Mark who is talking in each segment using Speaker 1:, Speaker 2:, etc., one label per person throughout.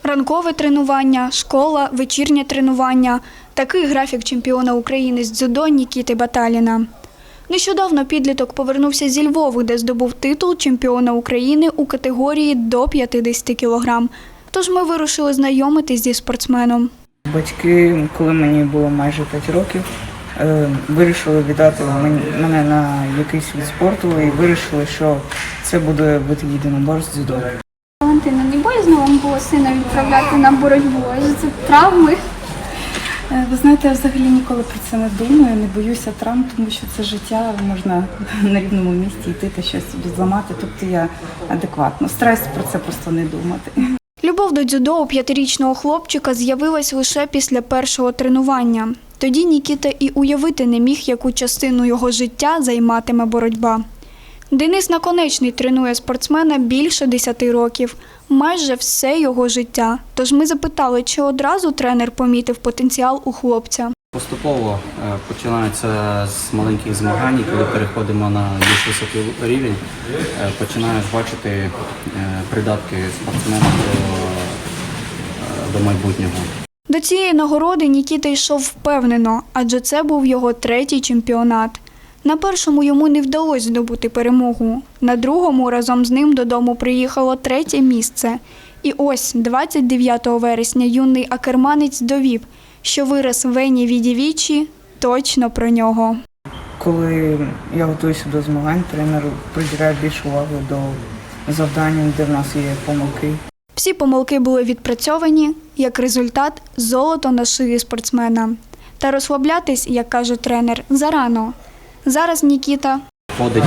Speaker 1: Ранкове тренування, школа, вечірнє тренування – такий графік чемпіона України з дзюдо Нікіти Баталіна. Нещодавно підліток повернувся зі Львова, де здобув титул чемпіона України у категорії до 50 кг. Тож ми вирушили знайомитись зі спортсменом.
Speaker 2: Батьки, коли мені було майже 5 років, вирішили віддати мене на якийсь вид спорту і вирішили, що це буде вид єдиноборств дзюдо.
Speaker 1: Валентина, не боязно вам було сина відправляти на боротьбу? Адже це травми.
Speaker 3: Ви знаєте, я взагалі ніколи про це не думаю, не боюся травм, тому що це життя, можна на рівному місці йти та щось собі зламати, тобто я адекватно. Стараюся про це просто не думати.
Speaker 1: Любов до дзюдо у 5-річного хлопчика з'явилась лише після першого тренування. Тоді Нікіта і уявити не міг, яку частину його життя займатиме боротьба. Денис Наконечний тренує спортсмена більше 10 років, майже все його життя. Тож ми запитали, чи одразу тренер помітив потенціал у хлопця.
Speaker 4: Поступово починається з маленьких змагань, коли переходимо на більш високий рівень, починаєш бачити придатки спортсмена до майбутнього.
Speaker 1: До цієї нагороди Нікіта йшов впевнено, адже це був його 3-й чемпіонат. На першому йому не вдалося здобути перемогу. На другому разом з ним додому приїхало 3-е місце. І ось 29 вересня юний акерманець довів, що вираз Вені Відівічі точно про нього.
Speaker 2: Коли я готуюся до змагань, тренер приділяє більше уваги до завдань, де в нас є помилки.
Speaker 1: Всі помилки були відпрацьовані, як результат – золото на шиї спортсмена. Та розслаблятись, як каже тренер, зарано. Зараз Нікіта
Speaker 4: Входить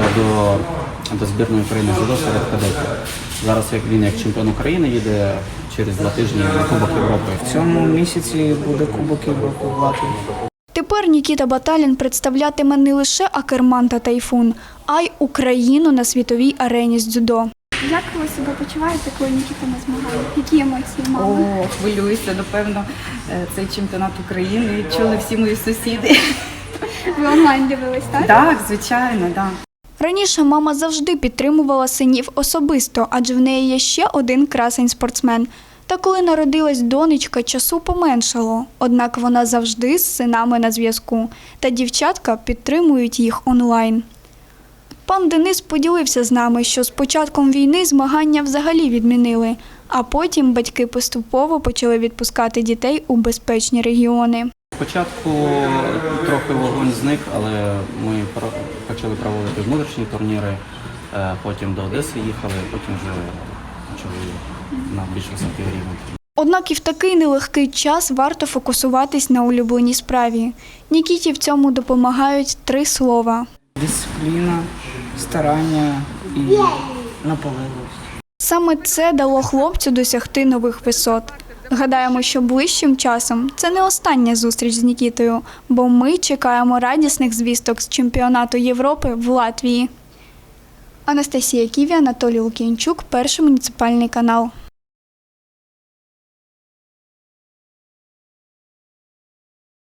Speaker 4: до збірної України дзюдо серед кадетів. Зараз він як чемпіон України їде через 2 тижні на Кубок Європи.
Speaker 2: В цьому місяці буде Кубок Європи в Латвії.
Speaker 1: Тепер Нікіта Баталін представлятиме не лише Акерман та Тайфун, а й Україну на світовій арені з дзюдо. Як ви себе почуваєте, коли Нікіта на змаганнях? Які емоції мали?
Speaker 3: Хвилююся, напевно, цей чемпіонат України чули всі мої сусіди.
Speaker 1: Ви онлайн дивились, так?
Speaker 3: Так, звичайно, так.
Speaker 1: Раніше мама завжди підтримувала синів особисто, адже в неї є ще один красень-спортсмен. Та коли народилась донечка, часу поменшало. Однак вона завжди з синами на зв'язку. Та дівчатка підтримують їх онлайн. Пан Денис поділився з нами, що з початком війни змагання взагалі відмінили, а потім батьки поступово почали відпускати дітей у безпечні регіони.
Speaker 4: Спочатку трохи вогонь зник, але ми почали проводити внутрішні турніри, потім до Одеси їхали, потім вже почали на більш високий рівень.
Speaker 1: Однак і в такий нелегкий час варто фокусуватись на улюбленій справі. Нікіті в цьому допомагають 3 слова.
Speaker 2: Дисципліна, старання і наполегливість.
Speaker 1: Саме це дало хлопцю досягти нових висот. Гадаємо, що ближчим часом це не остання зустріч з Нікітою, бо ми чекаємо радісних звісток з чемпіонату Європи в Латвії. Анастасія Ківі, Анатолій Лук'янчук, Перший муніципальний канал.